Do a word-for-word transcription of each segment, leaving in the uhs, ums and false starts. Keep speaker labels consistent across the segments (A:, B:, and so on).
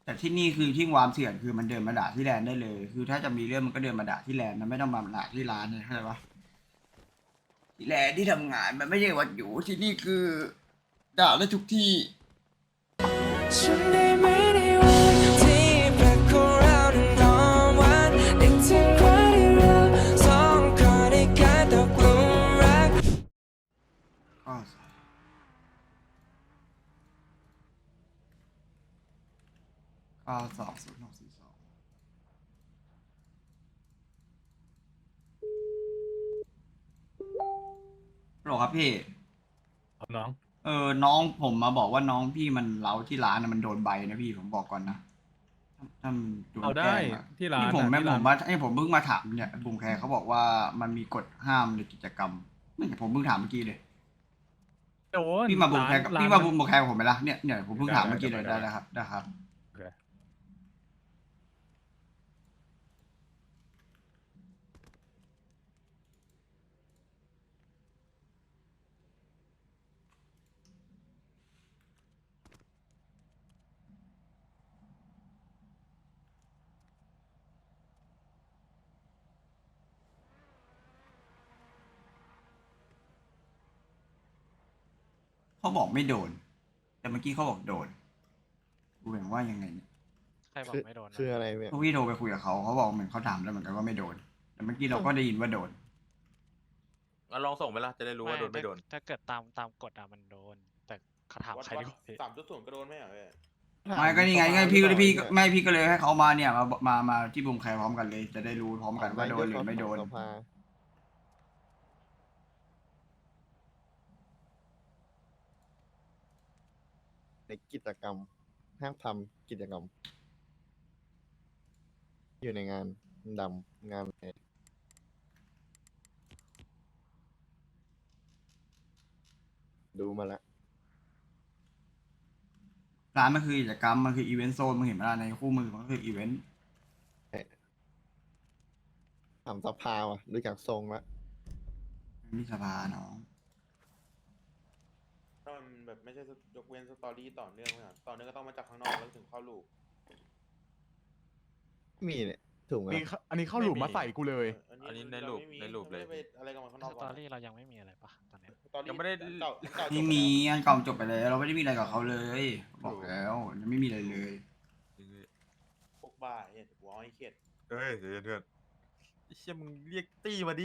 A: แต่ที่นี่คือที่วามเถื่อนคือมันเดินมาด่าที่แลนด์ได้เลยคือถ้าจะมีเรื่องมันก็เดินมาด่าที่แลนด์มันไม่ต้องมาด่าที่ร้านเลยเข้าใจปะที่แลนด์ที่ทำงานมันไม่ใช่วัดอยู่ที่นี่คือด่าได้ทุกที่
B: ฉันได้ไม่ได้วันที่แปลกของเรานอนวันนึกถึงวันที่เราสองคนได้กลายตกหลุมรัก
A: ก็เก้าสองศูนย์หกสี่สองหรอครับพี่
C: ครับน้อง
A: เออน้องผมมาบอกว่าน้องพี่มันเล้าที่ร้านนะมันโดนใบนะพี่ผมบอกก่อนนะถ้ามันโดน
C: เอาได้
A: แกล้งอะ
C: ที่ร้า
A: นี่
C: น
A: ผมแม่
C: อ่ะที่ร้าน
A: ผมว่าไอ้ผมเพิ่งมาถามเนี่ยบุงแคร์เขาบอกว่ามันมีกฎห้ามในกิจกรรมนี่ผมเพิ่งถามเมื่อกี้เลย
C: โดน
A: พี่มาบุก
C: ร้าน
A: แคร์กับ
C: ร้านมัน
A: พี่มาบุกแคร์กับผมไหมล่ะเนี่ยเนี่ยผมเพิ่ง
C: ได้
A: ถาม
C: ได้
A: เมื่อกี้เลย
C: ได้ได้
A: ได้แล้วครับได้ครับ
C: โอเค
A: เขาบอกไม่โดนแต่เมื่อกี้เขาบอกโดนกูเห็นว่ายังไงเนี่ย
D: ใครบอ
E: คือ
D: กไม่โดนนะ
E: คืออะไรเนี่ย
A: พวกพี่โทรไปคุยกับเขาเขาบอกเหมือนเขาถามแล้วเหมือนกันว่าไม่โดนแต่เมื่อกี้เราก็ได้ยินว่าโดน
F: งั้นลองส่งไปละจะได้รู้ว่าโดนไม่โดน
D: ถ้าเกิดตามตามกฎอะมันโดน แต่เขาถาม
F: วัด
D: ใคร
F: วัด
D: ดีกว่าพี่
F: สามจุดศูนย์ก็โดนไหมอ่ะเว้ย
A: ไม่ก็นี่ไงไงพี่ก็เลยพี่
E: เนี่ย
A: ไม่พี่ก็เลยให้เขามาเนี่ยมามามาที่บุงแคร์พร้อมกันเลย จะได้รู้พร้อมกันว่าโดนหรือไม่โดน
E: สภาในกิจกรรมห้ามทำกิจกรรม อยู่ในงานดำงานอะไรดูมาแล้ว
A: ร้านมันคือกิจกรรมมันคืออีเวนต์โซนมึงเห็นไหมล่ะในคู่มือมันก็คืออีเวนต์
E: ถามสภาว่ะดูจากทรงแล้ว
A: มีสภาเนาะ
F: ถ้ามันแบบไม่ใช่ยกเว้นสตอรี่ต่อเนื่องอ่ะต่อเนื่องก็ต้องมาจากข้างนอกแล้วถึงเข้าลูก
E: มีเนี่ยถูกไหม
C: นี่เข้าอันนี้เข้าหลุมมาใส่กูเลย
F: อันนี้ในลูปในลูปเลย
D: สตอรี่เรายังไม่มีอะไรปะตอนเนี้ย
F: ยังไม่ได้เก่าเก่าจบ
A: ไม่มีอันเก่าจบไปแล้วเราไม่ได้มีอะไรกับเขาเลยบอกแล้วยังไม่มีอะไรเลย
F: พวกบ้าเนี่ยหัวไอ้เข็ด
G: เฮ้ยเดี๋ยวเพื่อนไอ้เชี่ยมึงเรียกตี้มาดิ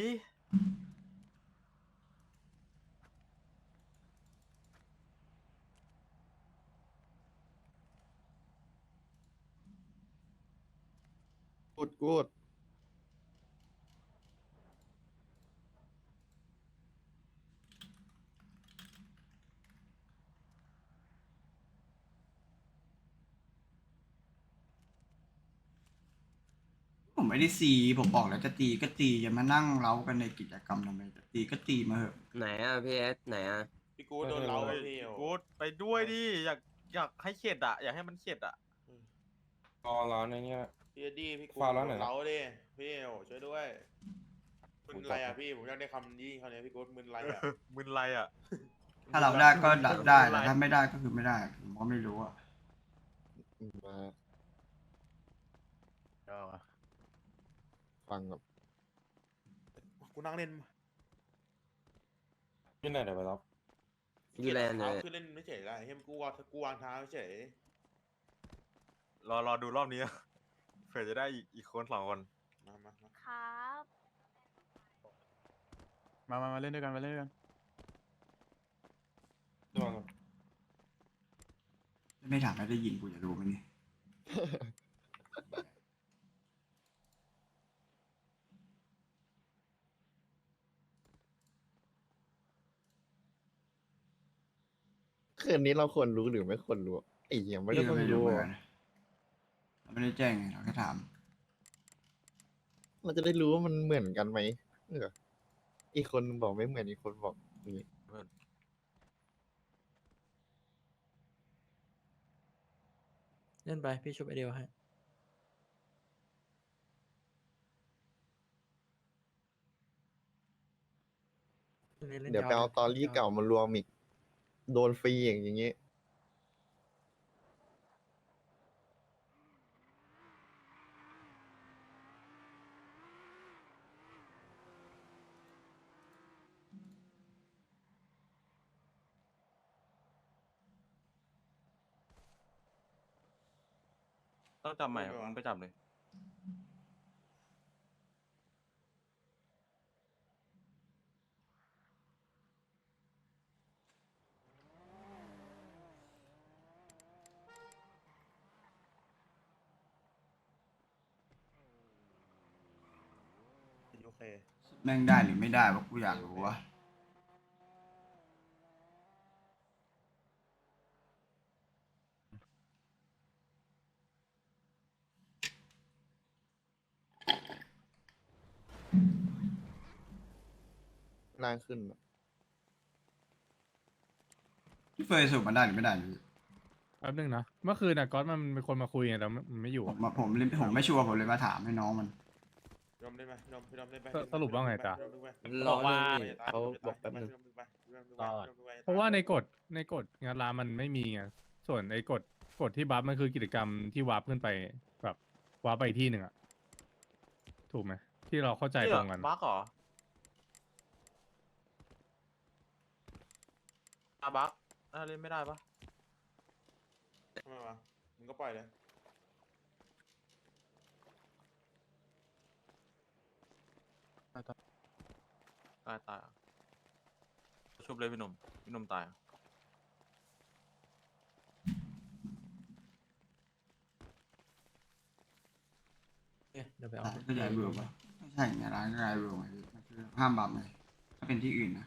E: กูดกูด
A: ผมไม่ได้ซีผมบอกแล้วจะตีก็ตีอย่ามานั่งเล้ากันในกิจกรรมทำไมจะตีก็ตีมาเถอะ
H: ไหนอ่ะพี่เอสไหนอ่ะ
F: พี่กูโดนเล้า
G: เฮ้ย
F: พี่
G: กูดไปด้วยดิอยากอยากให้เข็ดอ่ะอยากให้มันเข็ดอ่ะ
I: รอร้านในเนี้ย
F: พี่ดีพี่กู
I: ฟาวแล้ว
F: โด
I: ไหน
F: นเล้าดิพี่โอ้ช่วยด้วยมึนไรอ่ะพี่ผมอยากได้คำนี้คำนี้พี่กูมึนไรอ่ะ
G: มึนไรอ่ะ
A: ถ้าเราได้ก็ดับได้แต่ถ้าไม่ได้ก็คือไม่ได้ผมก็ไม่รู้อะ
E: มา
C: เอาวะ
E: ฟังแบบ
F: กูนั่งเล่น
I: ที่ไหนเดี๋ยวไปรับ
H: ยูแลนด์เล
F: เท้าย คือเล่นไม่เฉยไรเฮ้ยกูวางกูวางเท้าเฉย
G: รอรอดูรอบนี้อะเผื่อจะได้อีกอีกคนสองคน
F: มามามา
J: ครับ
C: มามามาเล่นด้วยกันมาเล่นด้วยกัน
I: ระวังครับ
A: ไม่ถามไม่ได้ยินกูจะรู้ไหมเนี่ย
E: คืนนี้เราควรรู้หรือไม่ควรรู้ไอ้เหี้ยไม่ได้
A: พี่ก็
E: ต้อง
A: ไม่รู้
E: รู้
A: เหมือน
E: อะ
A: กันเราไม่ได้แจ้งไงเราแค่ถาม
E: เราจะได้รู้ว่ามันเหมือนกันไหมเอออีกคนบอกไม่เหมือนอีกคนบอกอย่างนี้
H: เล่นไปพี่ชุบไอเดียวให้
E: เดี๋ยวไปเอาตอรี่เก่ามารวมอีกโดนฟรีอย่างอย่างงี้
G: ต้องจับใหม่มึงไปจับเลย
F: โอเค
A: แม่งได้หรือไม่ได้วะกูอยากรู้วะ
E: นานขึ้นอะ
A: พี่เฟยสรุปมันได้หรือไม่ได้พี่
C: แป๊บนึงนะ เมื่อคืนน่ะก๊อตมันเป็นคนมาคุยไงแต่มันไม่อยู่
A: ผมผมเลยผมไม่ชัวร์ผมเลยมาถามให้น้องมัน
F: พี่ดอมได้ไหมพี่ดอมพี่ดอมได้ไหม
C: สสรุปว่าไงจ๊ะ
H: รอหนึ่งดิเขาบอกแป๊บนึง
C: เพราะว่าในกฎในกฎงานร้านมันไม่มีไงส่วนไอ้กฎกฎที่บัฟมันคือกิจกรรมที่วาร์ปขึ้นไปแบบวาร์ปไปอีกที่หนึ่งอะถูกไหมที่เราเข้าใจตรงกัน
G: บั๊กเหรออ่ะบั๊กอ่ะเล่นไม่ได้ปะ
F: ทำไมวะมึงก็ปล่อยเลย
G: ตายตายอ่ะชุบเลยพี่หนุ่มพี่หนุ่มตายอ่ะ
H: เอ๊ะเดี๋ยวไปเอา
A: ร้านก็ย้ายเบอร์ป่ะไม่ใช่ไงร้านก็ย้ายเบอร์ไงพี่มันคือห้ามบัฟไงถ้าเป็นที่อื่นนะ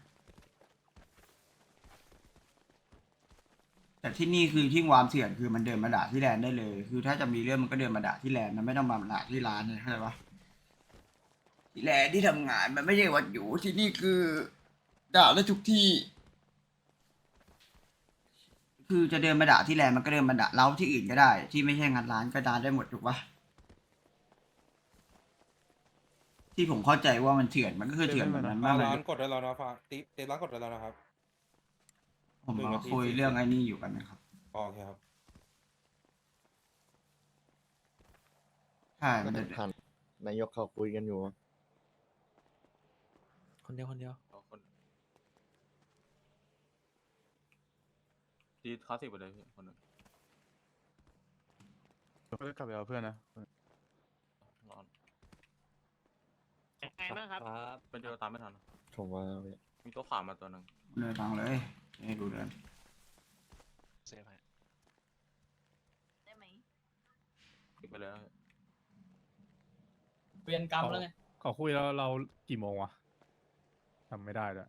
A: แต่ที่นี่คือที่วามเถื่อนคือมันเดินมาด่าที่แลนด์ได้เลย คือถ้าจะมีเรื่องมันก็เดินมาด่าที่แลนด์มันไม่ต้องมาด่าที่ร้านเลยเข้าใจปะที่แลนด์ที่ทำงานมันไม่ใช่วัดอยู่ที่นี่คือด่าได้ทุกที่ คือจะเดินมาด่าที่แลนด์มันก็เดินมาด่าเราที่อื่นก็ได้ ที่ไม่ใช่งานร้านก็ด่าได้หมดถูกปะที่ผมเข้าใจว่ามันเถื่อนมันก็คือเถื่อนแบบนั้นมากเลย
I: ร้านกดได้แล้วนะฟ้าติ๊บเต็มร้านกดได้แล้วนะครับ
A: ผมมาคุยเรื่องไอ้นี่อยู่กันนะครับ
I: อ๋อโอเคครับ
A: ใช่มันจะ
E: ทันนายกเขาคุยกันอยู่อะ
H: คนเดียวคนเดียว
G: เอาคนดีคลาสสิกไปเลยพี่คนหนึ่ง
C: ก็กลับไปเอาเพื่อนนะ
G: ร้อน
D: ไงบ้างครับ
H: ครับ
G: เป็นเดียวตามไม่ทัน
E: ผมว่าเนี่ย
G: มีตัวขาวมาตัวหนึ่ง
A: เดินทางเลยให้ดูเดิน
D: เซฟให้
J: ได้ไหม
G: ติดไปเลยนะ
H: เวียนกรรมแล้วไง
C: ขอคุยแล้วเรากี่โมงวะจำไม่ได้แล้ว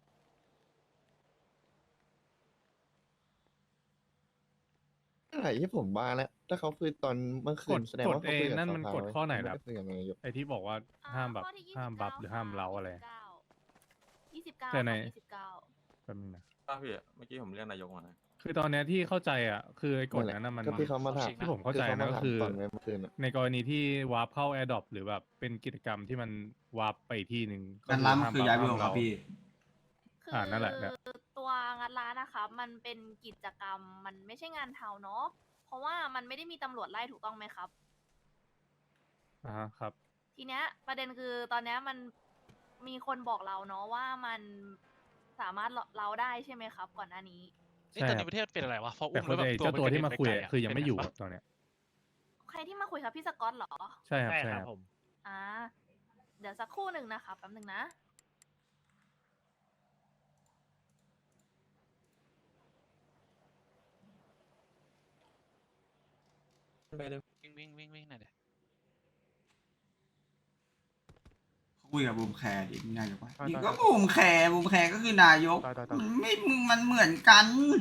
E: อะไรที่ผมว่าแล้วถ้าเขาคุยตอนเมื่อคื
C: ก
E: น
C: ฎ
E: แสดง
C: กฎ
E: ว่าเขา
C: เอ
E: คุยกับ
C: นั่นมัน
E: สภาก
C: ฎ
E: ไว้
C: ข้อไหน
E: ม่
C: ครับ
E: ด้คุยกับนายก
C: ไอที่บอกว่า
J: อ่
C: ห้ามแบบ
J: ข้อที่
C: ห้ามบัฟหรือห้ามเล้าอะไร
J: ยี่สิบเก้า
C: แต่ใน
J: ยี่สิบเก้า
C: แป๊บนึงนะ
G: ป้าพี่เมื่อกี้ผมเรียกนายกมานะ
C: คือตอนเนี้ยที่เข้าใจอ่ะคือไอ้กฎ
E: นั่นแหละ
C: นั้นนะมัน
E: ก็ที่เขามาถาม
C: ที่ผมเข้าใจนะก็คือ
E: ตอนเมื่อคืนอะ
C: ในกรณีที่วาร์ปเข้า Adopt หรือแบบเป็นกิจกรรมที่มันวาร์ปไปอีกที่หนึ่ง
A: งานร้านมันคือย้ายเบอร์
C: ห้ม
A: ครับพี่
J: คือ
C: อ่านั่นแหละเนี่ย
J: ตัวงานร้านนะคะ มันเป็นกิจกรรม มันไม่ใช่งานเทาเนาะ เพราะว่ามันไม่ได้มีตำรวจไล่ถูกต้องไหมครับ
C: อ่าฮะครับ
J: ทีเนี้ยประเด็นคือตอนเนี้ยมันมีคนบอกเราเนาะว่ามันสามารถเราได้ใช่ไหมครับ ก่อนหน้านี้
D: นี่ตอนนี้ประเทศเป็นอะไรวะเพราะ
C: แต่
D: อุ้ม
C: ค
D: แล้ว
C: น
D: แบบ
C: ไอ้เจ้าตัวที่มาคุย
D: นกระ
C: อะ
D: เด็นไปไกลๆ
C: คือยังไม่อยู่
D: เป็น
C: อะตอนเนี้ย
J: ใครที่มาคุยครับพี่สกอตเหรอ
C: ใช่ครับใช่ครับ
J: อ่า เดี๋ยวสักครู่หนึ่งนะคะแป๊บหนึ่งนะ
H: ไปเลย
D: วิ่งวิ่งวิ่งวิ่งหน่อยเดี๋ยว
A: คุยกับบูมแคร์ดินายกว่า
C: ได้
A: นี่
C: ได้
A: ก็บูมแคร์บูมแคร์ก็คือนายก
C: ได้ได้ได้
A: มันไม่มึงมันเหมือนกัน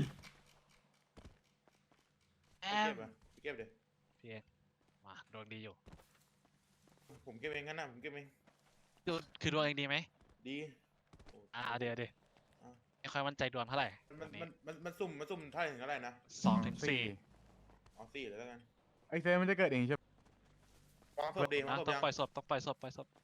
D: แอ
F: เก็
D: ม
F: บอ่ะเก็บเดี๋ยว
D: พี่เองมาดวงดีอยู่
F: ผมเก็บเองงั้นนะผมเก็บเอง
D: ดูคือดวงเองดีไหม
F: ดี
D: อ่าเดี๋ยวเดี๋ยว
F: อ่ะ
D: ไม่ค่อยมั่นใจดวงเท่าไหร่
F: มัน
D: วันนี้
F: มันมันมันสุ่มมันสุ่มเท่าไหร่ถึงเท่าไหร่นะ
D: สองถึงสี่
F: อ๋อสี่เลยแล้วกัน
C: ไอเซฟมันจะเกิดเองใช่ไหม
F: วางศพดีวาง
D: อ่ะ
F: ศพ
D: ต้อง
F: ยัง
D: ปล่อยศพต้องปล่อยศพปล่อยศพ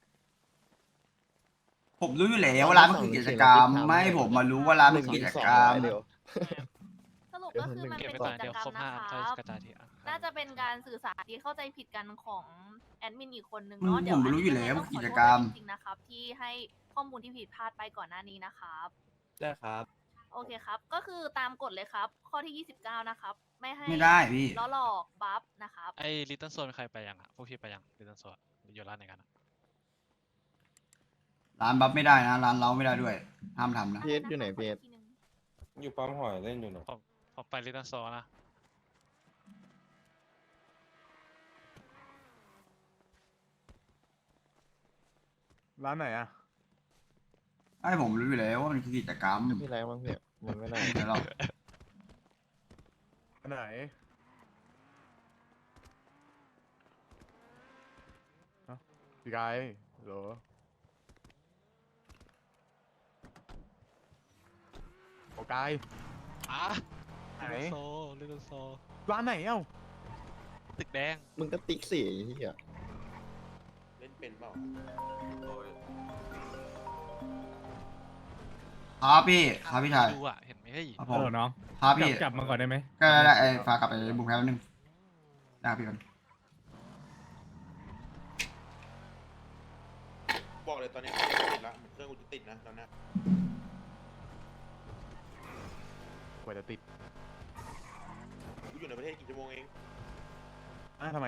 A: ผมรู้อยู่แล้วว่าร้านมันคือกิจกรรม ไม่ให้ผมมารู้ว่าร้านมันคือกิจกรรม
E: เดี๋ยว
J: สรุปก็คือมัน
D: เก็บ
J: เป็น
D: ไป
J: กิ
D: ก่อน
J: จ
D: เดี๋ยว
J: กรร
D: ครบ
J: มนะ
D: ห้าอัน
J: ค
D: ค่อย
J: รับ
D: กระจายทีอ่ะ
J: น่าจะเป็นการสื่อสารที่เข้าใจผิดกันของแอดมินอีกคนนึง
A: อืม
J: เนาะเดี๋ยว
A: ผมรู้อยู่แล้ว
J: นนี้
A: กิจ
J: ต้อง
A: กรรม
J: ขอโทษด้วยจริงๆนะครับ ที่ให้ข้อมูลที่ผิดพลาดไปก่อนหน้านี้นะครับ
H: ได้ครับ
J: โอเคครับ ก็คือตามกฎเลยครับ ข้อที่ยี่สิบเก้านะครับ ไม่ให้
A: ไม่ได้พี่
J: ล้อหลอกบัฟนะครับ
D: ไอ้ลิตเติ้ลโซนใครไปยังอ่ะพวกพี่ไปยังลิตเติ้ลโซนอยู่ร้านไหนกันอะ
A: ร้านบัฟไม่ได้นะร้านเล้าไม่ได้ด้วยห้ามทำนะ
E: พีเอสอยู่ไหนพีเอส
I: อยู่ปั๊มหอยเล่นอยู่หนู
D: ผมผมไปลิตเติ้ลโซนนะ
C: ร้านไหนอ่ะ
A: ไอ้ผมรู้อยู่แล้วว่ามันคือกิจกรรม
E: พี่ไรบ้างพี่มันไม่ได้
A: เดี๋ยวเรา
C: ไหนพี่กายเหรอโอกาย
D: อ่ะ
C: ไหน
D: ลิตเติ้ลโซลิตเติ้ลโซ
C: ร้านไหนเอ้า
D: ตึกแดง
E: มึงก็ติ๊กสี่ที่อ่ะ
F: เล่นเป็นเปล่า
G: โอ้ย
A: ครับพี่ครับพี่ชาย
D: ดูอ่ะเห็นไหมเฮ้ย
A: ครับผ
C: ฮัล
A: ม
C: โหลน้อง
A: ครับ
C: กลั
A: พี่
C: บกลับมาก่อนได้ไหม
A: ก็ได้ได้ไอ้ฝากกลับไปบุกแพ้แป๊บนึงได้พี่ก่อน
F: บอกเลยตอนนี้เครื่องติดละเครื่องกูจะติดนะตอนเนี้ย
C: กว่าจะติด
F: กูอยู่ในประเทศกี่ชั่วโมงเอง
C: อ่ะทำไม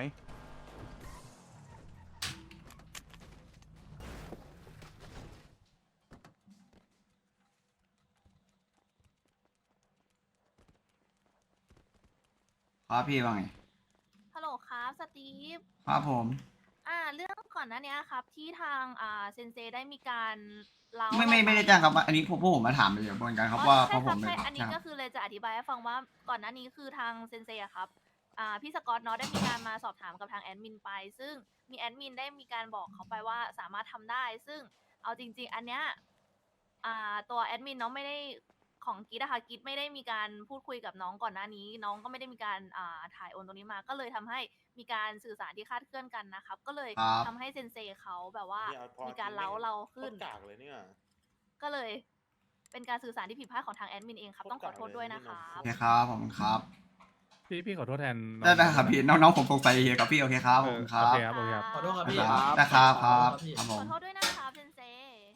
A: ครับพี่ว่าไง
J: ฮัลโหลครับสตีฟ
A: ครับผม
J: อ่าเรื่องก่อนหน้านี้ครับ ที่ทางอ่าเซนเซได้มีการเล่า
A: ไม่ไม่ไม่ได้แจ้งครับอันนี้พวกพวกผมมาถามเลยเหมือนกันครับว่าเพ
J: ใช่
A: ราะ
J: ค
A: ผ
J: รับ
A: มเลย
J: ใช่อันนี้
A: ค
J: ก็
A: รับ
J: คือเลยจะอธิบายให้ฟังว่าก่อนหน้านี้คือทางเซนเซอะครับอ่าพี่สกอตเนาะได้มีการมาสอบถามกับทางแอดมินไป ซึ่งมีแอดมินได้มีการบอกเขาไปว่าสามารถทำได้ ซึ่งเอาจริง ๆ อันเนี้ยอ่าตัวแอดมินเนาะไม่ได้ของกิดอะค่ะกิดไม่ได้มีการพูดคุยกับน้องก่อนหน้านี้ น้องก็ไม่ได้มีการอ่าถ่ายโอนตรงนี้มา ก็เลยทำให้มีการสื่อสารที่คลาดเคลื่อนกันนะครับ ก็เลย
A: ครับ
J: ทำให้เซนเซเขาแบบว่า
F: เนี่ยพอ
J: มีการเล้าเราขึ้น
F: โคตรกากเลยเนี่ย
J: ก็เลยเป็นการสื่อสารที่ผิดพลาดของทางแอดมินเองครับ ต้องขอโทษด้วยนะครั
A: โอบ เคครับผมครับ
C: พี่พี่ขอโทษแทนน้อง
A: ได้ได้ครับพี่น้องๆผมสงสัยเฮียครับพี่โอเคครับผมค
C: โอ
A: รับ
C: เคครับโอเคครับ
H: ขอโทษครับพี่
A: ได้ครับครับครับผ
J: ข
A: ม
J: อโทษด้วยนะครับเซนเซ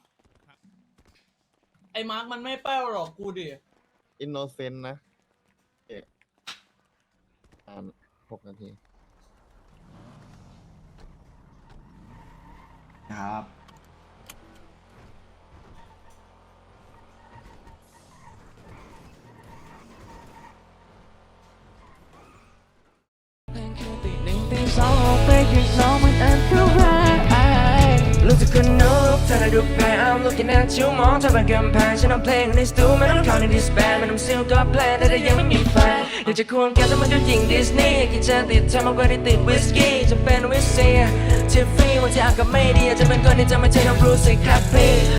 H: ไอ้มาร์กมันไม่แป้วหรอกกูดิ
E: อินโนเซนต์นะเอ๊ะอ่านหกนาที
A: ครับ
B: รู้สึกคนนุกเธอได้ดูแพ้ I'm looking at you มองเธอบนกำแพงฉันเอาเพลงในสตูไม่ต้องเข้าในดิสแบนมันทำซิลก็แพลนแต่ถ้ายังไม่มีแฟนอยากจะควงแกแต่มันก็ยิงดิสนีย์กินจะติดเธอมากกว่าที่ติดวิสกี้จะเป็นวิสเซียทิฟฟี่วันที่อากาศไม่ดีอาจจะเป็นคนที่จะไม่ใช่น้องบรูซสิครับพี่